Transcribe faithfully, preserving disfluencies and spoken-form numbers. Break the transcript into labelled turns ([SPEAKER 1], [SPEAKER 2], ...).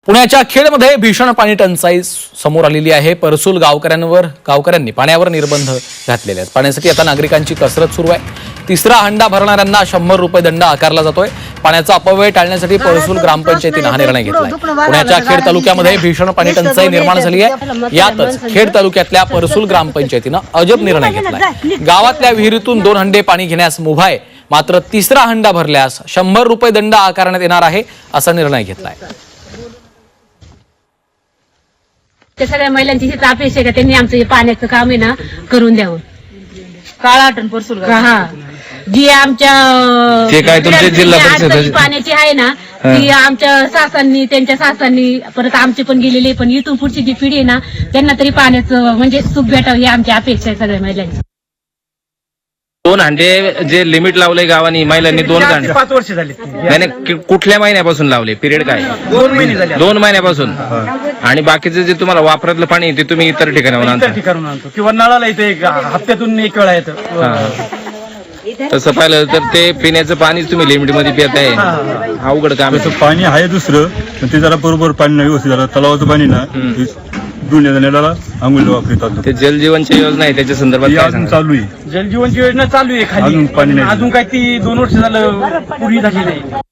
[SPEAKER 1] पुण्याच्या खेडमध्ये भीषण पाणी टंचाई समोर आलेली आहे। परसूल गावकऱ्यांवर गावकऱ्यांनी पाण्यावर निर्बंध घातलेले आहेत। पाण्यासाठी आता नागरिकांची कसरत सुरू आहे। तिसरा हंडा भरणाऱ्यांना शंभर रुपये दंड आकारला जातोय। पाण्याचा अपव्यय टाळण्यासाठी परसूल ग्रामपंचायतीने हा निर्णय घेतलाय। पुण्याच्या खेड तालुक्यामध्ये भीषण पाणी टंचाई निर्माण झाली आहे। यातच खेड तालुक्यातल्या परसूल ग्रामपंचायतीने अजब निर्णय घेतलाय। गावातल्या विहिरीतून दोन हंडे पाणी घेण्यास मुभा आहे, मात्र तिसरा हंडा भरल्यास शंभर रुपये दंड आकारण्यात येणार आहे, असा निर्णय घेतलाय।
[SPEAKER 2] त्या सगळ्या महिलांची हीच अपेक्षा आहे का त्यांनी आमचं हे पाण्याचं काम आहे ना करून द्यावं।
[SPEAKER 3] काळा आठवण परसूल
[SPEAKER 2] हा जी आमच्या
[SPEAKER 4] ते काय तुमचे जिल्हा परिषद
[SPEAKER 2] पाण्याची आहे ना ती आमच्या सासांनी त्यांच्या सासांनी परत आमचे पण गेलेले, पण इथून पुढची जी पिढी आहे ना त्यांना तरी पाण्याचं म्हणजे सुख भेटावं ही आमची अपेक्षा आहे सगळ्या महिलांची।
[SPEAKER 4] दोन हांडे जे लिमिट लावले गावानी महिलांनी दोन हांडे
[SPEAKER 5] पाच वर्ष झाली।
[SPEAKER 4] नाही नाही, कुठल्या महिन्यापासून लावले? पिरियड काय?
[SPEAKER 5] दोन महिने झाले।
[SPEAKER 4] दोन महिन्यापासून। आणि बाकीचे जे तुम्हाला वापरातलं पाणी ते तुम्ही इतर ठिकाणाहून आणता?
[SPEAKER 5] इतर ठिकाणून आणतो किंवा नळाला येतं, एक हप्त्यातून एक वेळा येतं।
[SPEAKER 4] तसं पाहिलं तर ते पिण्याचं पाणी तुम्ही लिमिट मध्ये पिताय, अवघड काम आहे।
[SPEAKER 6] पाणी आहे दुसरं, पण ते जरा बरोबर पाणी नाही व्यवस्थित झालं। तलावाचं पाणी ना दुनिया नेल्याला आंघोळीला वापरतात।
[SPEAKER 4] ते जलजीवनची योजना आहे त्याच्या संदर्भात काय
[SPEAKER 6] अजून
[SPEAKER 4] सांगाल?
[SPEAKER 6] चालू आहे,
[SPEAKER 5] जलजीवनची योजना चालू आहे खाली,
[SPEAKER 6] अजून पाणी नाही।
[SPEAKER 5] अजून काय ती दोन वर्ष झालं पूर्ण झाली नाही।